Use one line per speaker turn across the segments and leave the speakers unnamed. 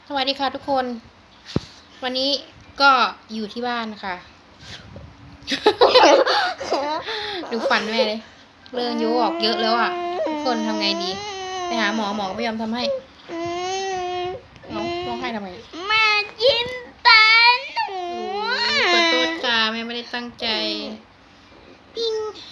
สวัสดีค่ะทุกคน วันนี้ก็อยู่ที่บ้านค่ะ ดูฟันแม่เลยเริ่มยุออกเยอะแล้วอ่ะทุกคนทำไงดีไปหาหมอก็ไม่ยอมทำให้น้องร้องไห้ทำไม
แม่ยิ้มตาหนู
ขอโทษค่ะแม่ไม่ได้ตั้งใจปิ้ง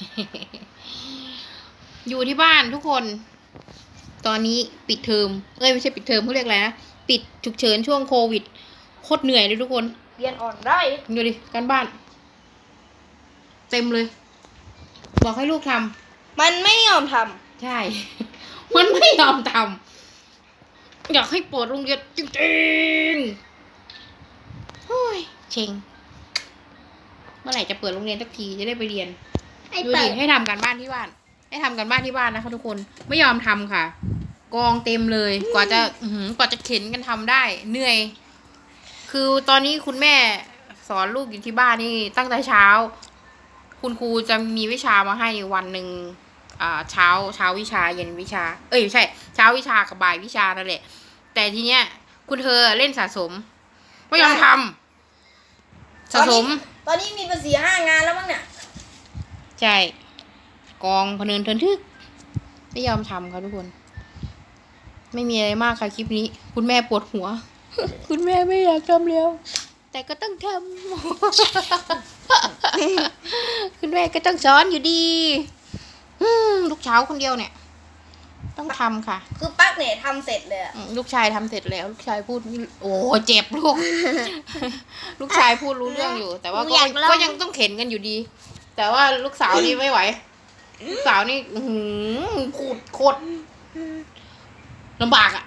อยู่ที่บ้านทุกคน ตอนนี้ปิดเทอมไม่ใช่ปิดเทอมเขาเรียกอะไรนะปิดฉุกเฉินช่วงโควิดโคตรเหนื่อยเลยทุกคน
เรียนอ่อนได้
ดูดิการบ้าน เต็มเลย บอกให้ลูกทำ
มันไม่ยอมท
ใช่ มันไม่ยอมทำอยากให้เปิดโรงเรียนจริงๆโอ้ยเชงเมื่อไหร่จะเปิดโรงเรียนสักทีจะได้ไปเรียน
ำไอ้
ดู
เปิ
ดิ
ด
ให้ทำการบ้านที่บ้าน ให้ทำการบ้านที่บ้านนะคะทุกคนไม่ยอมทำค่ะ กองเต็มเลยกว่าจะเข็นกันทำได้เหนื่อย คือตอนนี้คุณแม่สอนลูกอยู่ที่บ้านนี่ตั้งแต่เช้า คุณครูจะมีวิชามาให้วันหนึ่งเช้าวิชาเย็นวิชาไม่ใช่เช้าวิชากับบ่ายวิชานั่นแหละแต่ทีเนี้ยคุณเธอเล่นสะสมไม่ยอมทำสะสม
ตอนนี้มีภาษี5 งานแล้วมั้งเนี่ย
ใช่กองพะเนินเทินทึกไม่ยอมทำค่ะทุกคน ไม่มีอะไรมากค่ะคลิปนี้ คุณแม่ปวดหัว คุณแม่ไม่อยากทำแล้วแต่ก็ต้องทำ คุณแม่ก็ต้องสอนอยู่ดีลูกเช้าคนเดียวเนี่ย ต้องทำค่ะ
คือปักเนี่ยทำเสร็จเลยอะ
ลูกชายทำเสร็จแล้ว ลูกชายพูดโอ้เจ็บลูก ลูกชายพูดรู้เรื่องอยู่ แต่ว่าก็ยังต้องเข็นกันอยู่ดี แต่ว่าลูกสาวนี่ไม่ไหว ลูกสาวนี่พูดโคตรลำบากอ่ะ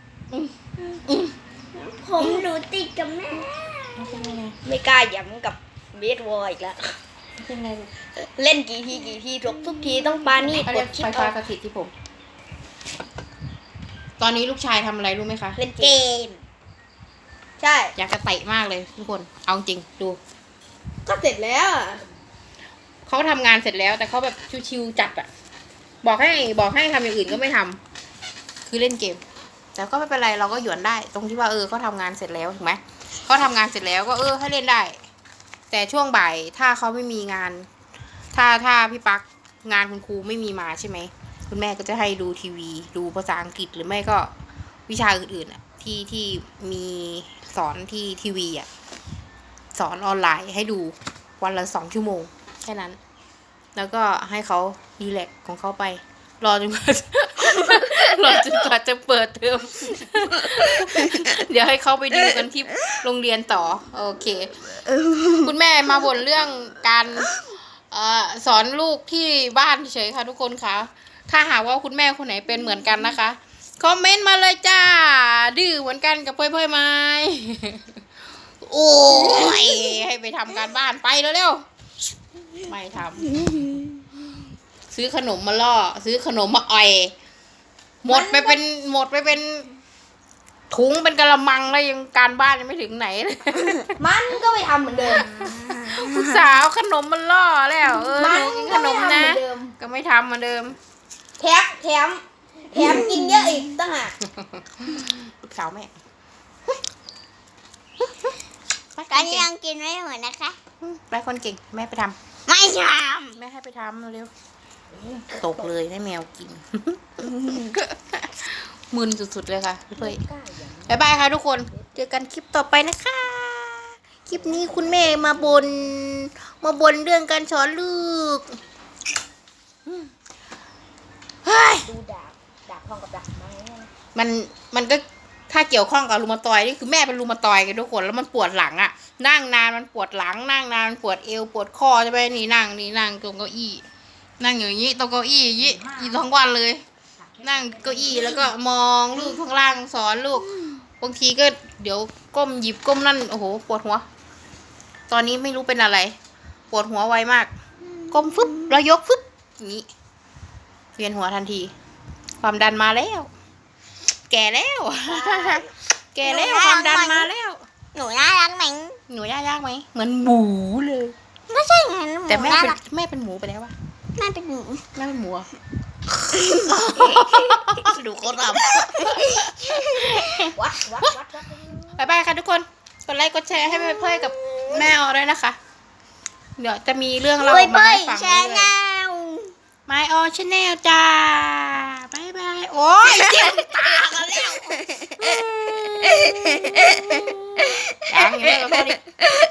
ผมหนูติดกับแม่ ไม่กล้าย้ำกับเบสบอลอีกแล้ว
เป็นไง
เล่นกี่ทีทุกทีต้องปานี่
เขา
ก
เรีย
ด
ก
ชิป
ไฟ
อ
ฟ้า
อก
สถิตที่ผม ตอนนี้ลูกชายทำอะไรรู้ไหมคะ
เล่นเกม ใช่
อยากจะเตะมากเลยทุกคน เอาจริงดู
ก็เสร็จแล้วอะ
เขาทำงานเสร็จแล้ว แต่เขาแบบชิวๆจัดอะบอกให้ทำอย่างอื่นก็ไม่ทำคือเล่นเกม แต่ก็ไม่เป็นไรเราก็หยวนได้ ตรงที่ว่าเขาทำงานเสร็จแล้วถูกไหมเขาทำงานเสร็จแล้วก็ให้เล่นได้ แต่ช่วงบ่ายถ้าเขาไม่มีงาน ถ้าพี่ปักงานคุณครูไม่มีมาใช่ไหมคุณแม่ก็จะให้ดูทีวี ดูภาษาอังกฤษหรือไม่ก็วิชาอื่นๆอะที่มีสอนที่ทีวีอะสอนออนไลน์ให้ดูวันละ2 ชั่วโมงแค่นั้น แล้วก็ให้เขารีแลกซ์ของเขาไป รอจนกว่า จะเปิดเทอม เดี๋ยวให้เขาไปดูกันที่โรงเรียนต่อโอเคคุณแม่มาบ่นเรื่องการสอนลูกที่บ้านเฉยค่ะทุกคนคะถ้าหากว่าคุณแม่คนไหนเป็นเหมือนกันนะคะคอมเมนต์มาเลยจ้าดื้อเหมือนกันกับเพ่ยไหม โอ้ยให้ไปทำการบ้านไปเร็วๆไม่ทำซื้อขนมมาล่อซื้อขนมมาอ่อยหมดไปเป็นถุงเป็นกะละมังแล้วยังการบ้านยังไม่ถึงไหนเลย
มันก็ไปทำเหมือนเดิม
ผู้สาวขนมมันล่อแล้วหนูกินขนมนะ
ก็ไทำเหมือนเดิม
ก็ไม่ทำเหมือนเดิม
แถมกินเยอะอีกต่างหาก
ลูกสาวแม่
ก็ยังกินไม่หมดนะคะ
ไปคนเก่งแม่ไปทำ
ไม่ท
แม่ให้ไปทำเร็วๆตกเลยให้แมวกิน มึนสุดๆเลยค่ะพี่เป้ย
ำ
บ๊ายบายค่ะทุกคน เจอกันคลิปต่อไปนะคะ คลิปนี้คุณแม่มาบนเรื่องการสอนลูกเฮ้ย
ดูดาบทองกับดาบไม้เนี่ยนะ
มันก็ถ้าเกี่ยวข้องกับรูมาตอยนี่คือแม่เป็นรูมาตอยกันทุกคนแล้วมันปวดหลังอะนั่งนานมันปวดหลังนั่งนานมันปวดเอวปวดคอใช่ไหมนี่นั่งตรงเก้าอี้นั่งอย่างนี้ตรงเก้าอี้อย่างนี้ทั้งวันเลย นั่งเก้าอี้แล้วก็มองลูกข้างล่างสอนลูกบางทีก็เดี๋ยวก้มหยิบก้มนั่นโอ้โหปวดหัว ตอนนี้ไม่รู้เป็นอะไร ปวดหัวไวมากก้มฟึบแล้วยกฟึบอย่างนี้เวียนหัวทันที ความดันมาแล้ว แก่แล้ว แก่แล้วความดันมาแล้ว
หนูน่ารักไหม
หนูยากไหมเหมือนหมูเลย
ไม่ใช่ไงหนู
แต่แม่
น่า
เป็น
รัก
แม่เป็นหมูไปแล้ววะ
แม่เป็นหนู
แม่เป็นหมูอะดูเขาท
วัด
ำบายบายค่ะทุกคนกดไลค์กดแชร์ให้เพื่อนๆกับแมวด้วยนะคะ เดี๋ยวจะมีเรื่องเล่า
เฮ้ย
มา
เป้ย
ให้ฟัง
แช
เรื่
ร์
อย
แนว
ๆ My All Channel จ้าบายบายโอ้ยเจ็บตากันแล้วยังไม่มาพอดี